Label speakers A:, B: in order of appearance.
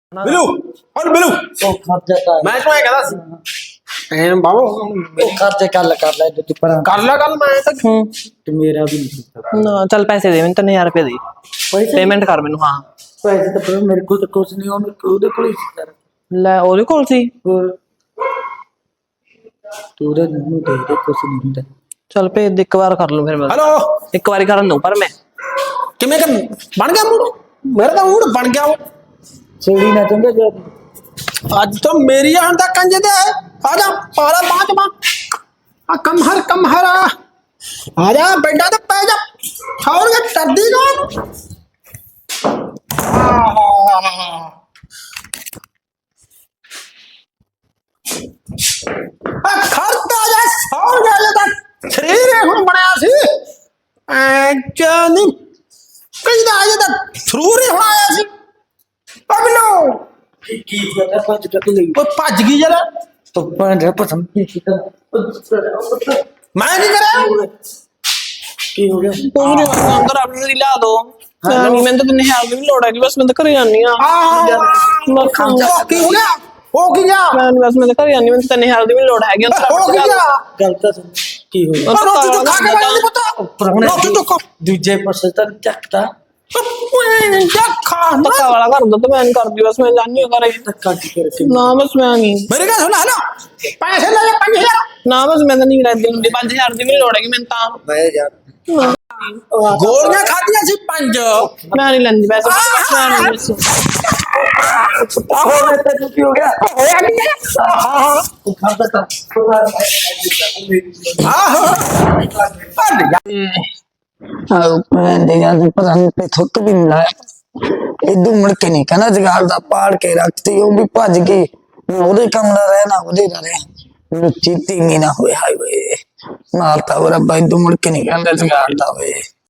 A: ਬਿਲੂ ਹੁਣ ਬਿਲੂ
B: ਉਹ ਖਰਚਾ ਕਰ
A: ਮੈਂ ਤੈਨੂੰ ਇਹ ਕਹਿੰਦਾ ਸੀ ਐਂ ਬਾਬਾ
B: ਉਹ ਖਰਚਾ ਕਰ ਲੈ ਤੂੰ ਪਰ
A: ਕਰ ਲੈ ਗੱਲ ਮੈਂ ਤਾਂ
B: ਤੇ ਮੇਰਾ ਵੀ ਨਹੀਂ ਕੀਤਾ
C: ਨਾ ਚੱਲ ਪੈਸੇ ਦੇ ਮੈਨੂੰ 3000 ਰੁਪਏ ਦੇ
B: ਪੈਸੇ
C: ਪੇਮੈਂਟ ਕਰ ਮੈਨੂੰ ਹਾਂ
B: ਪੈਸੇ ਤਾਂ ਪਰ ਮੇਰੇ ਕੋਲ ਤਾਂ ਕੁਝ ਨਹੀਂ ਉਹਦੇ ਕੋਲ ਹੀ ਸੀ ਸਰ
C: ਲੈ ਉਹਦੇ ਕੋਲ ਸੀ
B: ਹੋਰ ਤੂੰ ਉਹਦੇ ਨੂੰ ਦੇ ਕੁਝ ਨਹੀਂ ਹੁੰਦਾ
C: ਚੱਲ ਭੇਜ ਦੇ ਇੱਕ ਵਾਰ ਕਰ ਲੂ ਫਿਰ ਮੈਂ
A: ਹੈਲੋ
C: ਇੱਕ ਵਾਰੀ ਕਰਨ ਦਊ ਪਰ ਮੈਂ
A: ਕਿਵੇਂ ਕਰ ਬਣ ਗਿਆ ਮੂਡ ਮੇਰਾ ਤਾਂ ਮੂਡ ਬਣ ਗਿਆ
B: ਛੇੜੀ ਨਾ ਚੰਗਾ ਜੇ
A: ਅੱਜ ਤਾਂ ਮੇਰੀ ਆਣ ਦਾ ਕੰਜ ਦੇ ਆ ਜਾ ਪਾਲਾ ਬਾਤ ਮਾ ਆ ਕਮ ਹਰ ਆ ਜਾ ਬੈਠਾ ਤੇ ਪੈ ਜਾ ਛੋੜ ਕੇ ਟੱਡੀ ਨਾ ਆ ਖਰਤਾ ਜਾ ਛੋੜ ਜਾ ਤਾਂ ਸਰੀਰ ਹੁਣ ਬਣਿਆ ਸੀ ਐ ਜਾਨੀ ਕਿਹਦਾ ਅਜੇ ਤਾਂ ਸਰੂਰ ਹੀ ਹੋਇਆ ਸੀ ਪਗਲੋ
B: ਕੀ ਕਰਦਾ ਪੰਜ ਟੱਕ ਲਈ
A: ਉਹ ਭੱਜ ਗਈ ਜਰਾ
B: तो पंज पसंद की मैं
A: ਮੈਂ ਕੀ ਕਰਾਂ
B: की हो गया
C: ਤੂੰ ਮੇਰੇ ਅੰਦਰ ਆਪਣੀ ਦੀ ਲਿਆ ਦੋ ਨਹੀਂ ਮੈਨੂੰ ਤਾਂ 3000 ਦੀ ਵੀ ਲੋੜ ਹੈਗੀ ਬਸ ਮੈਂ ਤਾਂ ਘਰੇ ਜਾਣੀ ਆ
A: ਉਹ ਕੀ ਹੋ ਗਿਆ ਹੋ ਕੀ ਗਿਆ
C: ਮੈਂ ਬਸ ਮੈਂ ਤਾਂ ਘਰੇ ਜਾਣੀ ਮੈਨੂੰ ਤਾਂ 3000 ਦੀ ਵੀ ਲੋੜ ਹੈਗੀ
A: ਹੋ ਕੀ ਗਿਆ
B: गलत सुन की हो गया
A: ਉਹ ਰੋਟੀ ਤੋਂ ਖਾ ਕੇ ਬੈਠ ਨਹੀਂ ਪਤਾ ਰੋਟੀ ਤੋਂ ਖਾ
B: दूजे पासे तक चकता
A: ਖਾ
C: ਧੱਕਾ ਵਾਲਾ ਕਰ ਦੋ ਤੇ ਮੈਂ ਨਹੀਂ ਕਰਦੀ ਬਸ ਮੈਂ ਜਾਣੀ ਆ ਘਰੇ
B: धक्का की करके
C: ਨਾ ਬਸ ਮੈਂ ਨਹੀਂ
A: ਮੇਰੇ ਗੱਲ ਸੁਣ ਹਲੋ ਪੈਸੇ ਲੈ ਲੈ 5000
C: ਨਾ ਬਸ ਮੈਂ ਤਾਂ ਨਹੀਂ ਰਹਿੰਦੀ ਹੁੰਦੀ 5000 ਦੀ ਵੀ ਲੋੜ ਹੈਗੀ ਮੈਨੂੰ ਤਾਂ
B: मैं यार
A: ਗੋਲੀਆਂ ਖਾਧੀਆਂ ਸੀ 5
C: ਮੈਂ ਨਹੀਂ ਲੈਂਦੀ ਵੈਸੇ ਮੈਂ ਨਹੀਂ ਬਸ
B: हो गया तो की हो गया
A: ਹੋਇਆ ਕੀ ਹਾਂ
B: खाता था
A: ਹਾਂ
D: यार पता नहीं पे थुक भी नहीं लाया इदू मुड़ के नहीं कहना जगाड़ दा पाड़ के रखती वो भी भज गई ओदे कम ना रहे ना ओदे ना रहे लुच्ची तीमी ना होए हाय वे मारता वो रब्बा इदू मुड़ के नहीं कहना जगाड़ दा वे